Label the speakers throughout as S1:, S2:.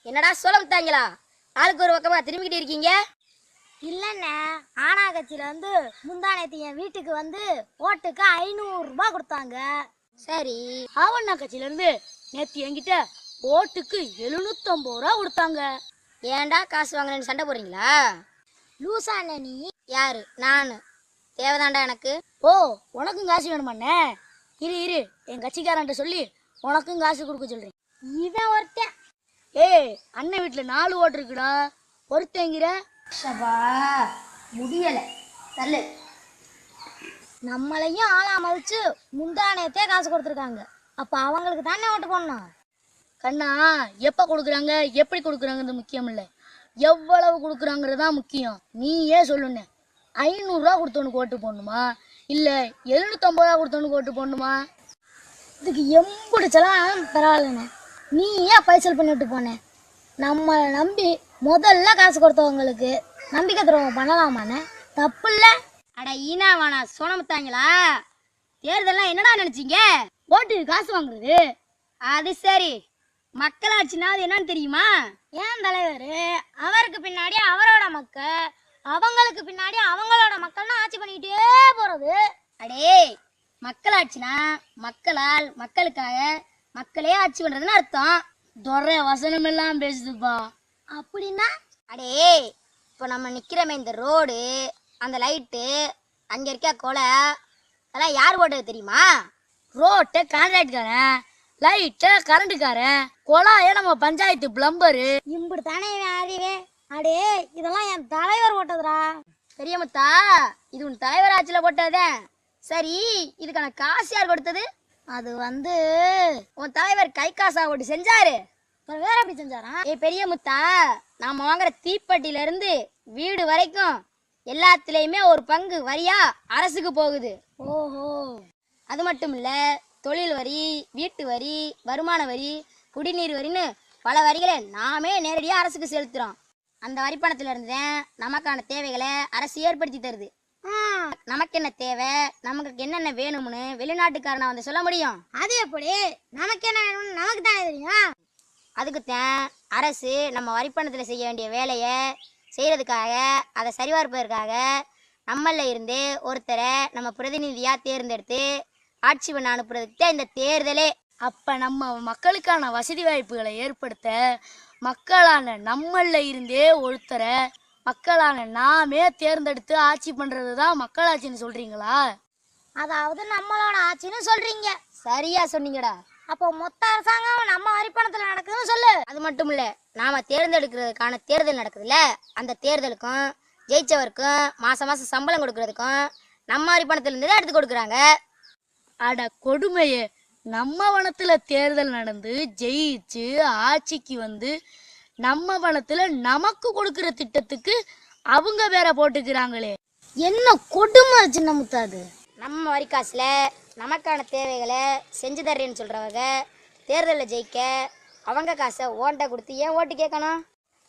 S1: என்னடா சொல்ல விட்டாங்களா? ஆளுக்கு ஒரு பக்கமா திரும்பிக்கிட்டு இருக்கீங்க.
S2: இல்லைண்ணே, ஆனா கட்சியில முந்தானேத்து என் வீட்டுக்கு ஓட்டுக்கு 500 ரூபாய் கொடுத்தாங்க.
S1: சரி,
S2: ஆவண்ணா கட்சியில நேத்து என்கிட்ட ஓட்டுக்கு 750 ரூபா கொடுத்தாங்க.
S1: ஏன்டா காசு வாங்கினேன்னு சண்டை போடுறீங்களா?
S2: லூசா அண்ணே நீ?
S1: யாரு? நான் தேவைதான்டா எனக்கு.
S2: ஓ, உனக்கும் காசு வேணுமாண்ணே? இரு இரு, என் கட்சிக்காரன்ட்ட சொல்லி உனக்கும் காசு கொடுக்க சொல்றேன். இவன் ஒருத்தன். ஏய், அண்ணன் வீட்டுல 4 ஓட்டு இருக்குடா, ஒருத்தங்கிற.
S1: சபா முடியல, தள்ளு.
S2: நம்மளையும் ஆளா மதிச்சு முந்தானேத்தே காசு கொடுத்துருக்காங்க. அப்ப அவங்களுக்கு தானே ஓட்டு போடணும். கண்ணா, எப்ப கொடுக்குறாங்க எப்படி கொடுக்குறாங்கிறது முக்கியம் இல்லை, எவ்வளவு கொடுக்குறாங்கிறது தான் முக்கியம். நீயே சொல்லுண்ணே, 500 ரூபா கொடுத்தவனுக்கு ஓட்டு போடணுமா இல்ல 750 ரூபா கொடுத்தவனுக்கு ஓட்டு போடணுமா? இதுக்கு எம்பிடிச்சலாம் பரவாயில்லண்ணே, நீ ஏன் பைசல் பண்ணிவிட்டு போனேன்? நம்மளை நம்பி முதல்ல காசு கொடுத்தவங்களுக்கு நம்பிக்கை துரோகம் பண்ணலாமாண்ணே? தப்பு இல்லை.
S1: அட ஈனா வானா சோனமுத்தாங்களா? தேர்தல்லாம் என்னடா நினைச்சீங்க?
S2: ஓட்டு காசு வாங்குறது.
S1: அது சரி, மக்களாட்சினா அது என்னன்னு தெரியுமா?
S2: ஏன் தலைவர், அவருக்கு பின்னாடி அவரோட மக்கள், அவங்களுக்கு பின்னாடி அவங்களோட மக்கள்னு ஆட்சி பண்ணிக்கிட்டே போறது.
S1: அடே, மக்களாட்சினா மக்களால் மக்களுக்காக மக்களே ஆட்சி பண்றதுன்னு அர்த்தம்.
S2: துறை வசனம் எல்லாம் பேசுதுப்பா.
S1: அப்படின்னா? அடே, இப்போ நம்ம நிக்கிறோமே இந்த ரோடு, அந்த லைட்டு, அங்க இருக்க கொலை, அதெல்லாம் யார் போட்டது தெரியுமா?
S2: ரோட்டை கான்ட்ராக்ட்காரன், லைட்டை கரண்ட்டுக்காரன், கொலாய நம்ம பஞ்சாயத்து பிளம்பரு. இப்படி தானே அறிவே. அடே, இதெல்லாம் என் தலைவர் போட்டதுரா.
S1: பெரியமுத்தா, இது உன் தலைவர் ஆட்சியில போட்டதே. சரி, இதுக்கான காசு யார் கொடுத்தது?
S2: அது
S1: உன் தலைவர் கை காசா ஓட்டு செஞ்சாரு.
S2: வேற எப்படி செஞ்சாரா?
S1: பெரியமுத்தா, நாம வாங்குற தீப்பெட்டில இருந்து வீடு வரைக்கும் எல்லாத்துலயுமே ஒரு பங்கு வரியா அரசுக்கு போகுது.
S2: ஓஹோ.
S1: அது மட்டும் இல்ல, தொழில் வரி, வீட்டு வரி, வருமான வரி, குடிநீர் வரின்னு பல வரிகளை நாமே நேரடியாக அரசுக்கு செலுத்துறோம். அந்த வரி பணத்துல இருந்து நமக்கான தேவைகளை அரசு ஏற்படுத்தி தருது. நமக்கு என்ன தேவை, நமக்கு என்னென்ன வேணும்னு வெளிநாட்டுக்காரனை சொல்ல முடியும்?
S2: அது எப்படி? நமக்கு என்ன வேணும்னு நமக்கு தானே தெரியும்.
S1: அதுக்குத்தான் அரசு நம்ம வரி பணத்துல செய்ய வேண்டிய வேலையை செய்யறதுக்காக, அதை சரிபார்ப்பதற்காக நம்மள இருந்து ஒருத்தரை நம்ம பிரதிநிதியா தேர்ந்தெடுத்து ஆட்சி பண்ண அனுப்புறதுக்கு தான் இந்த தேர்தலே.
S2: அப்ப நம்ம மக்களுக்கான வசதி வாய்ப்புகளை ஏற்படுத்த மக்களான நம்மள இருந்தே ஒருத்தரை மக்களான நாமே தேர்ந்தெடுத்து ஆட்சி பண்றது தான் மக்களாட்சின்னு சொல்றீங்களா? அதாவது நம்மளோட ஆட்சின்னு சொல்றீங்க.
S1: சரியா சொன்னீங்கடா.
S2: அப்போ மொத்த அரசாங்கம் நம்ம வரிப்பணத்துல நடக்குதுன்னு சொல்லு.
S1: அது மட்டும் இல்ல, நாம தேர்ந்தெடுக்கிறதுக்கான தேர்தல் நடக்குதுல்ல, அந்த தேர்தலுக்கும் ஜெயிச்சவருக்கும் மாசம் மாசம் சம்பளம் கொடுக்கறதுக்கும் நம்ம வரிப்பணத்துல இருந்து தான் எடுத்து கொடுக்குறாங்க.
S2: அட கொடுமையே, நம்ம வனத்துல தேர்தல் நடந்து ஜெயிச்சு ஆட்சிக்கு நம்ம வனத்துல நமக்கு கொடுக்கிற திட்டத்துக்கு அவங்க வேற போட்டுக்கிறாங்களே, என்ன கொடுமை சின்ன முத்தாது.
S1: நம்ம வரி காசுல நமக்கான தேவைகளை செஞ்சு தர்றேன்னு சொல்றவங்க தேர்தலில் ஜெயிக்க அவங்க காசை ஓன்ட்ட கொடுத்து ஏன் ஓட்டு கேட்கணும்?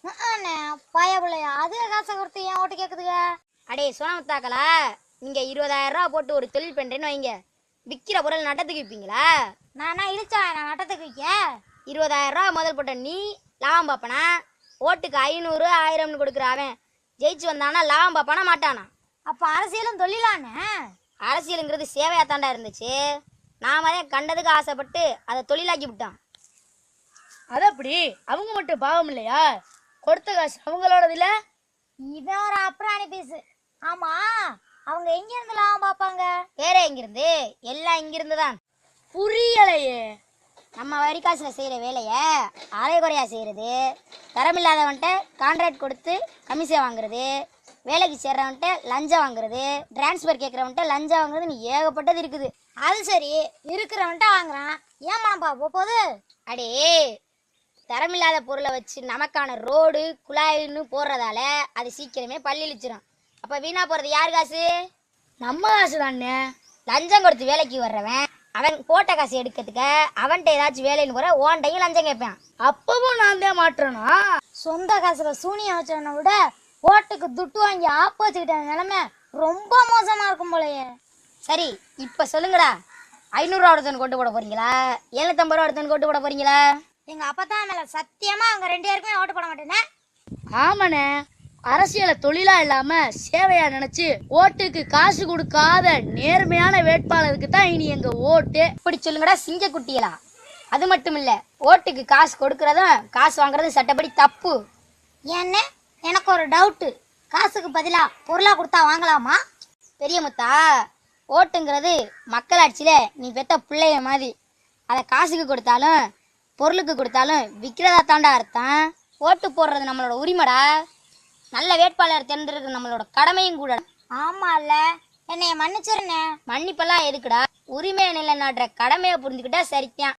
S2: பாயபிள்ளையா, அதே காசை கொடுத்து ஏன் ஓட்டு கேட்குதுங்க?
S1: அடே சோனமுத்தாக்களா, நீங்க 20,000 ரூபா போட்டு ஒரு தொழில் பண்றேன்னு வைங்க, விற்கிற பொருள் நட்டத்துக்கு விற்பீங்களா?
S2: நானா இழிச்சா நான் நட்டத்துக்கு விற்க?
S1: 20,000 ரூபா முதல் போட்ட நீ லாபம் பார்ப்பனா? ஓட்டுக்கு 500 1000ன்னு கொடுக்குற அவன் ஜெயிச்சு வந்தானா லாபம் பார்ப்பானா மாட்டானா?
S2: அப்ப அரசியலும் தொழிலானே.
S1: அரசியலுங்கிறது சேவையா தாண்டா இருந்துச்சு. நாம தான் கண்டதுக்கு ஆசைப்பட்டு அதை தொழிலாக்கி விட்டான்.
S2: அது அப்படி அவங்க மட்டும் பாவம் இல்லையா? கொடுத்த காசு அவங்களோடது இல்ல. இவன் ஒரு அப்புறாணி பீஸ். ஆமா, அவங்க எங்க இருந்து லாபம் பார்ப்பாங்க?
S1: வேற எங்கிருந்து? எல்லாம் இங்கிருந்து தான்.
S2: புரியலையே.
S1: நம்ம வரி காசுல செய்யற வேலைய அரை குறையா செய்யறது, தரமில்லாதவன்ட்ட கான்ட்ராக்ட் கொடுத்து கமிஷன் வாங்குறது, வேலைக்கு சேர்றவன்ட்ட லஞ்சம் வாங்குறது, டிரான்ஸ்ஃபர் கேட்கறவன்ட்ட லஞ்சம் வாங்குறதுன்னு ஏகப்பட்டது இருக்குது.
S2: அது சரி, இருக்கிறவன்ட்ட வாங்குறான், ஏன் மனப்பா போகுது?
S1: அடே, தரமில்லாத பொருளை வச்சு நமக்கான ரோடு குழாயின்னு போடுறதால அது சீக்கிரமே பள்ளிச்சிடும். அப்ப வீணா போறது யார் காசு?
S2: நம்ம காசு தானே.
S1: லஞ்சம் கொடுத்து வேலைக்கு வர்றவன் அவன் போட்ட காசு எடுக்கிறதுக்கு அவன்கிட்ட ஏதாச்சும் வேலைன்னு போற ஓன்டையும் லஞ்சம் கேட்பான்.
S2: அப்பவும் நான் தான் மாற்றனா? சொந்த காசுல சூனியம் வச்சவனை விட ஓட்டுக்கு துட்டு வாங்கி ஆப்பு வச்சுக்கிட்ட நிலைமை ரொம்ப மோசமா இருக்கும் போலயே.
S1: சரி, இப்ப சொல்லுங்கடா, 500 ரூபா ஒருத்தன் கொண்டு போட போறீங்களா, 750 ரூபா ஒருத்தன் கொண்டு போட போறீங்களா?
S2: எங்க அப்பா தான் மேல சத்தியமா அவங்க 2 பேருக்குமே ஓட்டு போட மாட்டேனே.
S1: ஆமாண்ணே, அரசியலை தொழிலா இல்லாம சேவையா நினைச்சு ஓட்டுக்கு காசு கொடுக்காத நேர்மையான வேட்பாளருக்கு தான் இனி எங்க ஓட்டு. இப்படி சொல்லுங்கடா சிங்க குட்டிகளா. அது மட்டும் இல்ல, ஓட்டுக்கு காசு கொடுக்கறதும் காசு வாங்குறதும் சட்டப்படி தப்பு.
S2: ஏன்னு எனக்கு ஒரு டவுட்டு. காசுக்கு பதிலா பொருளா கொடுத்தா வாங்கலாமா?
S1: பெரிய முத்தா, ஓட்டுங்கிறது மக்களாட்சியில நீ பெத்த பிள்ளைய மாதிரி. அதை காசுக்கு கொடுத்தாலும் பொருளுக்கு கொடுத்தாலும் விற்கிறதா தாண்டா அர்த்தம். ஓட்டு போடுறது நம்மளோட உரிமைடா. நல்ல வேட்பாளர் தேர்ந்தெடுக்கிறது நம்மளோட கடமையும் கூட.
S2: ஆமால, என்னைய மன்னிச்சிருண்ணே.
S1: மன்னிப்பெல்லாம் எதுக்குடா? உரிமையை நிலைநாட்டுற கடமையை புரிஞ்சுக்கிட்டா சரித்தான்.